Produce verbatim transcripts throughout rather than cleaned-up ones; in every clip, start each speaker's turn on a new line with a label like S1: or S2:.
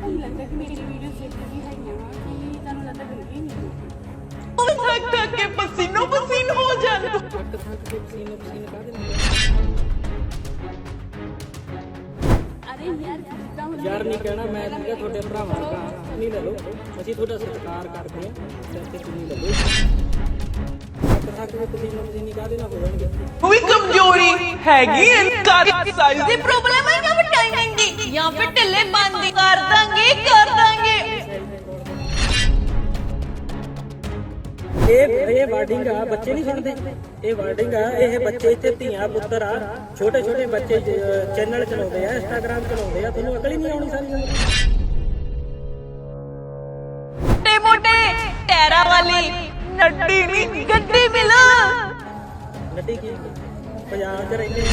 S1: ਕੀ ਲੱਗਦਾ ਕਿ ਮੇਰੀ ਵੀਡੀਓ ਦੇਖਦੇ ਵੀ ਹੈਗੀਆਂ ਵਾ ਕਿ ਤੁਹਾਨੂੰ ਲੱਗਦਾ ਗੰਦੀ ਨਹੀਂ
S2: थक थक के पसीनो पसीन हो जाना
S3: थक थक के पसीनो पसीन का देना
S1: अरे यार जिद्दां हुण
S3: यार नहीं कहना मैं ठीक है थोड़े भरावां दा नहीं ले लो ਅਸੀਂ ਤੁਹਾਡਾ ਸਤਿਕਾਰ ਕਰਦੇ ਆ ਸਿਰ ਤੇ ਚੁੰਨੀ ਲੈ ਲਓ ਥਕ ਥਕ ਕੇ ਪਸੀਨੋ ਪਸੀਨੀ ਕਾ ਦੇਣਾ ਹੋ ਜਾਣਗੇ
S2: कोई कमजोरी हैगी इनका साइज
S4: ਦੀ ਪ੍ਰੋਬਲਮ ਹੈ ਜਾਂ ਫਿਰ ਟਾਈਮਿੰਗ ਦੀ ਜਾਂ ਫਿਰ ਢਿੱਲੇ ਬੰਦੀ ਕਰ ਦਾਂਗੇ ਕਰ ਦਾਂਗੇ
S3: ਇਹ ਇਹ ਵਾਰਡਿੰਗ ਆ ਬੱਚੇ ਨਹੀਂ ਸੁਣਦੇ ਇਹ ਵਾਰਡਿੰਗ ਆ ਇਹ ਬੱਚੇ ਇੱਥੇ ਧੀਆਂ ਪੁੱਤਰ ਆ ਛੋਟੇ ਛੋਟੇ ਬੱਚੇ ਚੈਨਲ ਚਲਾਉਂਦੇ ਆ ਇੰਸਟਾਗ੍ਰਾਮ ਚਲਾਉਂਦੇ ਆ ਤੁਹਾਨੂੰ ਅਕਲ ਹੀ ਨਹੀਂ ਆਉਣੀ ਸਾਰੀ
S4: ਮੋਟੇ ਮੋਟੇ ਟੈਰਾ ਵਾਲੀ ਨੱਡੀ ਨਹੀਂ ਗੱਡੀ ਮਿਲ
S3: ਨੱਡੀ ਕੀ ਪੰਜਾਬ 'ਚ ਰਹਿੰਦੇ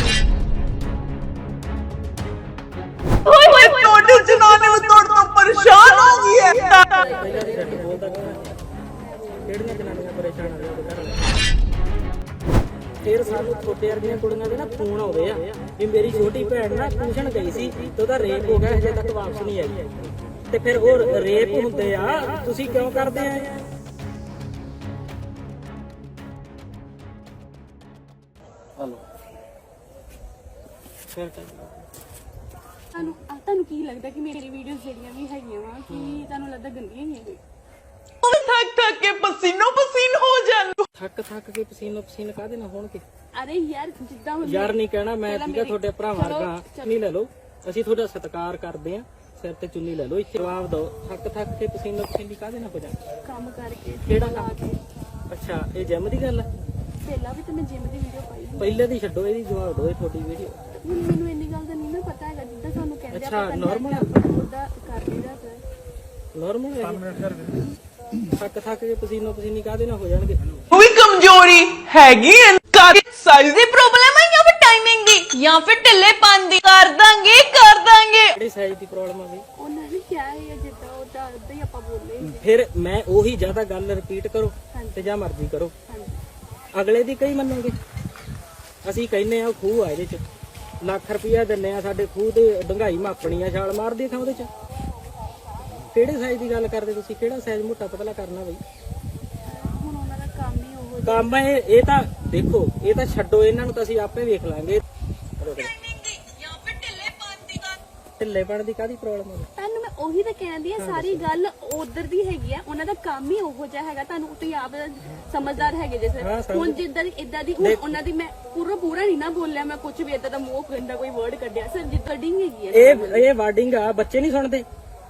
S2: ओए ओए छोटे जनाने में तोड़ तो परेशान हो गई है
S3: ਪਹਿਲਾਂ ਦੀ ਛੱਡ ਬੋਲਦਾ ਕੌਣ ਹੈ ਕਿਹੜੀਆਂ ਜਨਾਨੀਆਂ ਪਰੇਸ਼ਾਨ ਆ ਉਹਦੇ ਘਰ ਫਿਰ ਸਾਨੂੰ ਛੋਟੇ ਵਰਗੀਆਂ ਕੁੜੀਆਂ ਦੇ ਨਾ ਫੋਨ ਆਉਂਦੇ ਆ ਵੀ ਮੇਰੀ ਛੋਟੀ ਭੈਣ ਨਾ ਟਿਊਸ਼ਨ ਗਈ ਸੀ ਤੇ ਉਹਦਾ ਰੇਪ ਹੋ ਗਿਆ ਹਜੇ ਤੱਕ ਵਾਪਸ ਨਹੀਂ ਆਈ ਤੇ ਫਿਰ ਉਹ ਰੇਪ ਹੁੰਦੇ ਆ ਤੁਸੀਂ ਕਿਉਂ ਕਰਦੇ ਆ ਹਲੋ ਫਿਰ
S1: ਤੁਹਾਨੂੰ ਤੁਹਾਨੂੰ ਕੀ ਲੱਗਦਾ ਕਿ ਮੇਰੀ ਵੀਡੀਓਜ਼ ਜਿਹੜੀਆਂ ਵੀ ਹੈਗੀਆਂ ਵਾ ਕਿ ਤੁਹਾਨੂੰ ਲੱਗਦਾ ਗੰਦੀਆਂ ਹੀ ਹੈਗੀਆਂ
S2: थक थक के पसीनो पसीन हो जाना
S3: ਥੱਕ ਥੱਕ ਕੇ ਪਸੀਨੋ ਪਸੀਨ ਕਾਹਦੇ ਨਾਲ ਹੋਣਗੇ
S1: ਅਰੇ ਯਾਰ ਜਿੱਦਾਂ ਹੁਣ
S3: ਯਾਰ ਨਹੀਂ ਕਹਿਣਾ ਮੈਂ ਠੀਕ ਹੈ ਤੁਹਾਡੇ ਭਰਾਵਾਂ ਵਰਗਾ ਨਹੀਂ ਲੈ ਲਓ ਅਸੀਂ ਤੁਹਾਡਾ ਸਤਿਕਾਰ ਕਰਦੇ ਆ ਸਿਰ ਤੇ ਚੁੰਨੀ ਲੈ ਲਓ ਇੱਥੇ ਜਵਾਬ ਦਿਓ ਥੱਕ ਥੱਕ ਕੇ ਪਸੀਨੋ ਪਸੀਨੀ ਕਾਹਦੇ ਨਾਲ ਹੋ ਜਾਣਾ
S1: ਕੰਮ ਕਰਕੇ
S3: ਕਿਹੜਾ
S1: ਲਾ
S3: ਕੰਮ?
S1: ਕੇ
S3: ਅੱਛਾ ਇਹ ਜਿਮ ਦੀ ਗੱਲ ਹੈ
S1: ਪਹਿਲਾਂ ਵੀ ਤੇ ਮੈਂ ਜਿਮ ਦੀ ਵੀਡੀਓ ਪਾਈ ਸੀ।
S3: ਪਹਿਲੇ ਦੀ ਛੱਡੋ ਇਹਦੀ ਜਵਾਬ ਦਿਓ ਇਹ ਤੁਹਾਡੀ ਵੀਡੀਓ
S1: ਹੁਣ ਮੈਨੂੰ ਇੰਨੀ ਗੱਲ ਦਾ ਨਹੀਂ ਨਾ ਪਤਾ ਹੈਗਾ ਜਿੱਦਾਂ ਸਾਨੂੰ ਕਹਿੰਦੇ
S3: ਅੱਛਾ, normal ਆ।
S1: ਉਹਦਾ ਕਰ ਲਈਦਾ ਸਰ
S3: ਨਾਰਮਲ ਹੈ ਥੱਕ ਥੱਕ ਕੇ ਪਸੀਨੋ ਪਸੀਨੀ ਕਾਹਦੇ ਨਾਲ ਹੋ ਜਾਣਗੇ
S2: कोई कमजोरी हैगी इनका साइज
S4: ਦੀ ਪ੍ਰੋਬਲਮ ਹੈ ਜਾਂ ਫਿਰ ਟਾਈਮਿੰਗ ਦੀ ਜਾਂ ਫਿਰ ਢਿੱਲੇ ਬੰਦੀ ਕਰ ਦਾਂਗੇ ਕਰ ਦਾਂਗੇ
S3: ਕਿਹੜੀ ਸਾਈਜ਼ ਦੀ ਪ੍ਰੋਬਲਮ ਆ ਬਈ
S1: ਉਹਨਾਂ ਨੇ ਕਿਹਾ ਹੈ ਜਿੱਦਾਂ ਉਹਦਾ ਉਦਾਂ ਹੀ ਆਪਾਂ ਬੋਲੇ
S3: ਫਿਰ ਮੈਂ ਉਹੀ ਜ਼ਿਆਦਾ ਗੱਲ ਰਿਪੀਟ ਕਰੋ
S1: ਹਾਂਜੀ।
S3: ਤੇ ਜਾਂ ਮਰਜ਼ੀ ਕਰੋ
S1: ਹਾਂਜੀ
S3: ਅਗਲੇ ਦੀ ਕਈ ਮੰਨੋਗੇ ਅਸੀਂ ਕਹਿੰਨੇ ਆ ਖੂਹ ਆ ਇਹਦੇ ਚ ਲੱਖ ਰੁਪਇਆ ਦਿੰਨੇ ਆ ਸਾਡੇ ਖੂਹ ਤੇ ਡੰਗਾਈ ਮਾਪਣੀ ਆ ਛਾਲ ਮਾਰਦੀ ਆ ਥਾਂ ਉਹਦੇ ਚ ਕਿਹੜੇ ਸਾਈਜ਼ ਦੀ ਗੱਲ ਕਰਦੇ ਤੁਸੀਂ ਕਿਹੜਾ ਸਾਈਜ਼ ਮੋਟਾ ਪਤਲਾ ਕਰਨਾ ਬਈ
S1: ਹੁਣ ਉਹਨਾਂ ਦਾ ਕੰਮ ਹੀ ਉਹ
S3: ਕੰਮ ਇਹ ਇਹ ਤਾਂ ਦੇਖੋ ਇਹ ਤਾਂ ਛੱਡੋ ਇਹਨਾਂ ਨੂੰ ਤਾਂ ਅਸੀਂ ਆਪੇ ਵੇਖ ਲਾਂਗੇ
S4: ਜਾਂ ਫਿਰ ਢਿੱਲੇ ਬੰਦੀ ਕਰ
S3: ਢਿੱਲੇਪਣ ਦੀ ਕਾਹਦੀ ਪ੍ਰੋਬਲਮ ਹੈ
S1: ਤੁਹਾਨੂੰ ਮੈਂ ਉਹੀ ਤਾਂ ਕਹਿੰਦੀ ਆ ਸਾਰੀ ਗੱਲ ਉਧਰ ਦੀ ਹੈਗੀ ਆ ਉਹਨਾਂ ਦਾ ਕੰਮ ਹੀ ਉਹੋ ਜਿਹਾ ਹੈਗਾ ਤੁਹਾਨੂੰ ਤੁਸੀਂ ਆਪ ਸਮਝਦਾਰ ਹੈਗੇ ਜੇ
S3: ਹਾਂ,
S1: ਸਰ
S3: ਸਮਝ-
S1: ਹੁਣ ਜਿੱਦਾਂ ਦੀ ਇਦਾਂ ਦੀ ਹੁਣ ਉਹਨਾਂ ਦੀ ਮੈਂ ਪੂਰਾ ਪੂਰਾ ਨਹੀਂ ਨਾ ਬੋਲਿਆ ਮੈਂ ਕੁਝ ਵੀ ਇਦਾਂ ਦਾ ਮੂੰਹ ਗੰਦਾ ਕੋਈ ਵਰਡ ਕੱਢਿਆ ਸਰ ਜਿੱਦਾਂ ਡਿੰਗ ਹੈਗੀ ਆ
S3: ਇਹ ਇਹ ਵਾਰਡਿੰਗ ਆ ਬੱਚੇ ਨਹੀਂ ਸੁਣਦੇ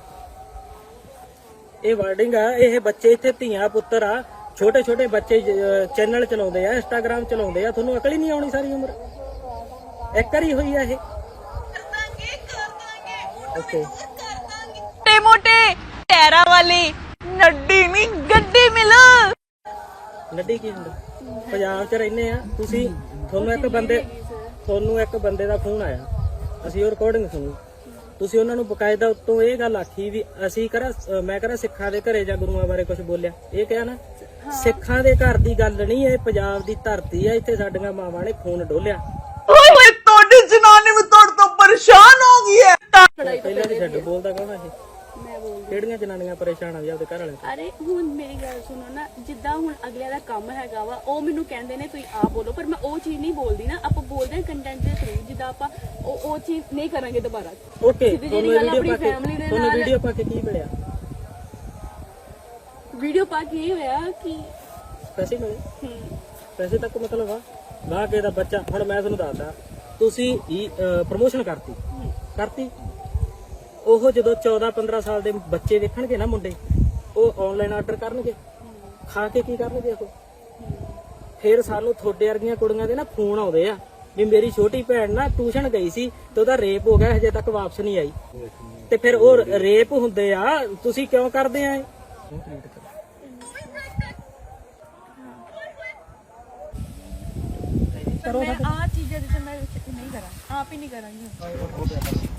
S3: ਇਹ ਵਾਰਡਿੰਗ ਆ ਇਹ ਬੱਚੇ ਇੱਥੇ ਧੀਆਂ ਪੁੱਤਰ ਆ ਛੋਟੇ ਛੋਟੇ ਬੱਚੇ ਚੈਨਲ ਚਲਾਉਂਦੇ ਆ ਇੰਸਟਾਗ੍ਰਾਮ ਚਲਾਉਂਦੇ ਆ ਤੁਹਾਨੂੰ ਅਕਲ ਹੀ ਨਹੀਂ ਆਉਣੀ ਸਾਰੀ ਉਮਰ ਇੱਕ ਵਾਰੀ ਹੋਈ ਆ ਇਹ
S4: ਦਾਂਗੇ ਕਰ ਦਾਂਗੇ
S3: ਓਕੇ
S4: ਮੋਟੇ ਮੋਟੇ ਟੈਰਾ ਵਾਲੀ ਨੱਡੀ ਨਹੀਂ ਗੱਡੀ ਮਿਲ
S3: ਨੱਡੀ ਕੀ ਹੁੰਦਾ ਪੰਜਾਬ 'ਚ ਰਹਿੰਦੇ ਆ ਤੁਸੀਂ ਤੁਹਾਨੂੰ ਇੱਕ ਬੰਦੇ ਤੁਹਾਨੂੰ ਇੱਕ ਬੰਦੇ ਦਾ ਫੋਨ ਆਇਆ ਅਸੀਂ ਉਹ ਰਿਕਾਰਡਿੰਗ ਸੁਣੀ ਤੁਸੀਂ ਉਹਨਾਂ ਨੂੰ ਬਕਾਇਦਾ ਉੱਤੋਂ ਇਹ ਗੱਲ ਆਖੀ ਵੀ ਅਸੀਂ ਕਰਾ ਮੈਂ ਕਰਾ ਸਿੱਖਾਂ ਦੇ ਘਰੇ ਜਾਂ ਗੁਰੂਆਂ ਬਾਰੇ ਕੁਝ ਬੋਲਿਆ ਇਹ ਕਿਹਾ ਨਾ ਸਿੱਖਾਂ ਦੇ ਘਰ ਦੀ ਗੱਲ ਨਹੀਂ ਇਹ ਪੰਜਾਬ ਦੀ ਧਰਤੀ ਆ ਇੱਥੇ ਸਾਡੀਆਂ ਮਾਵਾਂ ਨੇ ਖੂਨ ਡੋਲਿਆ
S2: ओए ओए छोटे जनाने में तोड़ तो परेशान हो गई है
S3: ਪਹਿਲਾਂ ਦੀ ਛੱਡ ਬੋਲਦਾ ਕੌਣ ਆ ਇਹ
S1: ਮੈਂ ਬੋਲ
S3: ਕਿਹੜੀਆਂ ਜਨਾਨੀਆਂ ਪਰੇਸ਼ਾਨ ਆ ਜੀ ਆਪਦੇ ਘਰ ਵਾਲੇ
S1: ਅਰੇ ਹੁਣ ਮੇਰੀ ਗੱਲ ਸੁਣੋ ਨਾ ਜਿੱਦਾਂ ਹੁਣ ਅਗਲਿਆਂ ਦਾ ਕੰਮ ਹੈਗਾ ਵਾ ਉਹ ਮੈਨੂੰ ਕਹਿੰਦੇ ਨੇ ਤੁਸੀਂ ਆਪ ਬੋਲੋ ਪਰ ਮੈਂ ਉਹ ਚੀਜ਼ ਨਹੀਂ ਬੋਲਦੀ ਨਾ ਆਪਾਂ ਬੋਲਦੇ ਹਾਂ ਕੰਟੈਂਟ ਦੇ ਥਰੂ ਜਿੱਦਾਂ ਆਪਾਂ ਉਹ ਉਹ ਚੀਜ਼ ਨਹੀਂ ਕਰਾਂਗੇ ਦੁਬਾਰਾ
S3: ਓਕੇ
S1: ਸਿੱਧੀ
S3: ਤੁਹਾਨੂੰ
S1: ਜਿਹੀ ਗੱਲ
S3: ਵੀਡੀਓ
S1: ਆਪਣੀ
S3: ਪਾ ਕੇ
S1: family ਦੇ
S3: ਤੁਹਾਨੂੰ
S1: ਨਾਲ-
S3: ਵੀਡੀਓ ਪਾ ਕੇ ਕੀ ਮਿਲਿਆ
S1: ਵੀਡੀਓ ਪਾ ਕੇ ਇਹ ਹੋਇਆ ਕਿ
S3: ਪੈਸੇ ਮਿਲੇ
S1: ਹਮ,
S3: ਪੈਸੇ ਤੱਕ ਮਤਲਬ ਆ ਨਾ ਕੇ ਦਾ ਬੱਚਾ ਹੁਣ ਮੈਂ ਤੁਹਾਨੂੰ ਦੱਸਦਾ ਤੁਸੀਂ ਪ੍ਰਮੋਸ਼ਨ ਕਰਤੀ ਕਰਤੀ ਉਹ ਜਦੋਂ ਚੌਦਾਂ ਪੰਦਰਾਂ ਸਾਲ ਦੇ ਬੱਚੇ ਵੇਖਣਗੇ ਨਾ ਮੁੰਡੇ ਉਹ ਆਨਲਾਈਨ ਆਰਡਰ ਕਰਨਗੇ ਖਾ ਕੇ ਕੀ ਕਰਨਗੇ ਉਹ ਫਿਰ ਸਾਨੂੰ ਥੋੜੇ ਵਰਗੀਆਂ ਕੁੜੀਆਂ ਦੇ ਨਾ ਫੋਨ ਆਉਂਦੇ ਆ ਵੀ ਮੇਰੀ ਛੋਟੀ ਭੈਣ ਨਾ ਟਿਊਸ਼ਨ ਗਈ ਸੀ ਤੇ ਉਹਦਾ ਰੇਪ ਹੋ ਗਿਆ ਹਜੇ ਤੱਕ ਵਾਪਸ ਨਹੀਂ ਆਈ ਤੇ ਫਿਰ ਉਹ ਰੇਪ ਹੁੰਦੇ ਆ ਤੁਸੀਂ ਕਿਉਂ ਕਰਦੇ ਆ ਇਹ
S1: ਮੈਂ ਆ ਚੀਜ਼ਾਂ ਦੇ ਤੇ ਮੈਂ ਨਹੀਂ ਕਰਾਂ ਆਪ ਹੀ ਨਹੀਂ ਕਰਾਂਗੀ